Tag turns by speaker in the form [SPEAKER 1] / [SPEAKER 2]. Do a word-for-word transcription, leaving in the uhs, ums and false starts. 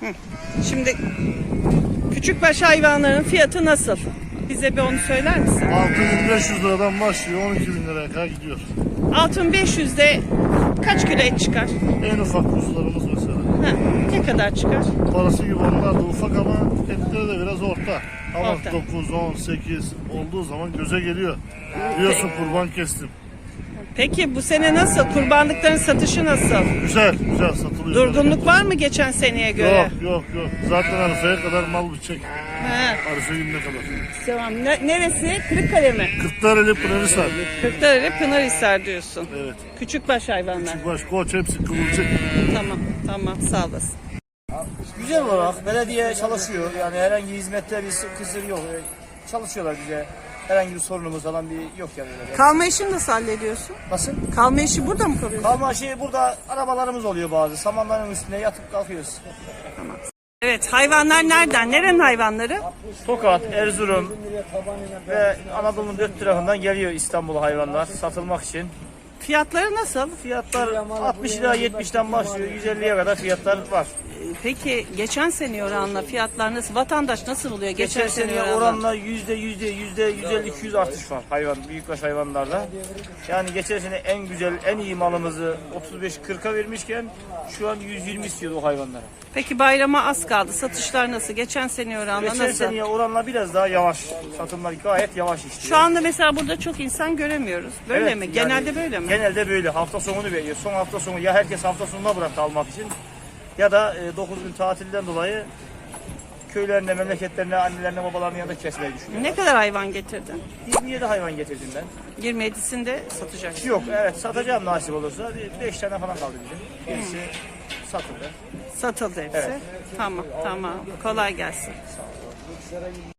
[SPEAKER 1] Hı. Şimdi küçükbaş hayvanların fiyatı nasıl? Bize bir onu söyler misin?
[SPEAKER 2] altı bin beş yüz liradan başlıyor, on iki bin liraya kadar gidiyor.
[SPEAKER 1] altı bin beş yüzde kaç kilo et çıkar?
[SPEAKER 2] En ufak kuzularımız mesela.
[SPEAKER 1] Ha, ne kadar çıkar?
[SPEAKER 2] Parası gibi onlar da ufak ama etleri de biraz orta. Ama
[SPEAKER 1] Orta.
[SPEAKER 2] dokuz, on, sekiz olduğu zaman göze geliyor. Diyorsun kurban kestim.
[SPEAKER 1] Peki bu sene nasıl? Kurbanlıkların satışı nasıl?
[SPEAKER 2] Güzel, güzel satılıyor.
[SPEAKER 1] Durgunluk var mı geçen seneye göre?
[SPEAKER 2] Yok, yok, yok. Zaten Arife'ye kadar mal bitecek.
[SPEAKER 1] Ha,
[SPEAKER 2] Arife gününe kadar.
[SPEAKER 1] tamam. Ne- neresi? Kırıkkale mi?
[SPEAKER 2] Kırklareli Pınarhisar.
[SPEAKER 1] Kırklareli Pınarhisar diyorsun.
[SPEAKER 2] Evet.
[SPEAKER 1] Küçükbaş hayvanlar.
[SPEAKER 2] Baş, koç hepsi kıvırcık.
[SPEAKER 1] Tamam, tamam. Sağ olasın.
[SPEAKER 3] Güzel olarak belediye çalışıyor. Yani herhangi hizmette bir kısır yok. Çalışıyorlar bize. Herhangi bir sorunumuz falan bir yok yani. Öyle.
[SPEAKER 1] Kalma işini nasıl hallediyorsun?
[SPEAKER 3] Nasıl?
[SPEAKER 1] Kalma işi burada mı kalıyorsun?
[SPEAKER 3] Kalma şey burada arabalarımız oluyor bazı. Samanların üstüne yatıp kalkıyoruz.
[SPEAKER 1] Evet, hayvanlar nereden? Nerenin hayvanları?
[SPEAKER 3] Tokat, Erzurum ve Anadolu'nun dört tarafından geliyor İstanbul'a hayvanlar satılmak için.
[SPEAKER 1] Fiyatları nasıl?
[SPEAKER 3] Fiyatlar altmış lira yetmişten başlıyor. yüz elliye kadar fiyatlar var.
[SPEAKER 1] Peki geçen sene oranla fiyatlar nasıl? Vatandaş nasıl buluyor? Geçen,
[SPEAKER 3] Geçen
[SPEAKER 1] sene
[SPEAKER 3] sene
[SPEAKER 1] oranla.
[SPEAKER 3] oranla yüzde yüzde yüzde yüz elli iki yüz artış var hayvan büyükbaş hayvanlarda. Yani geçen sene en güzel en iyi malımızı otuz beş kırka vermişken şu an yüz yirmi istiyordu o hayvanlara.
[SPEAKER 1] Peki bayrama az kaldı. Satışlar nasıl? Geçen sene oranla
[SPEAKER 3] Geçen
[SPEAKER 1] nasıl?
[SPEAKER 3] seneye oranla biraz daha yavaş. Satımlar gayet yavaş işliyor.
[SPEAKER 1] Şu anda mesela burada çok insan göremiyoruz. Böyle
[SPEAKER 3] Evet,
[SPEAKER 1] mi?
[SPEAKER 3] yani
[SPEAKER 1] Genelde böyle mi?
[SPEAKER 3] Genelde böyle. Hafta sonunu bekliyor. Son hafta sonu ya herkes hafta sonuna bıraktı almak için ya da e, dokuz gün tatilden dolayı köylerine, memleketlerine, annelerine, babalarının yanında kesmeyi düşünüyor.
[SPEAKER 1] Ne kadar hayvan getirdin?
[SPEAKER 3] yirmi yedi hayvan getirdim ben.
[SPEAKER 1] yirmi yedisinde satacaksın.
[SPEAKER 3] Yok evet satacağım nasip olursa. beş tane falan kaldı bizim. Gerisi satıldı.
[SPEAKER 1] Satıldı hepsi.
[SPEAKER 3] Evet.
[SPEAKER 1] Tamam, tamam. Kolay gelsin.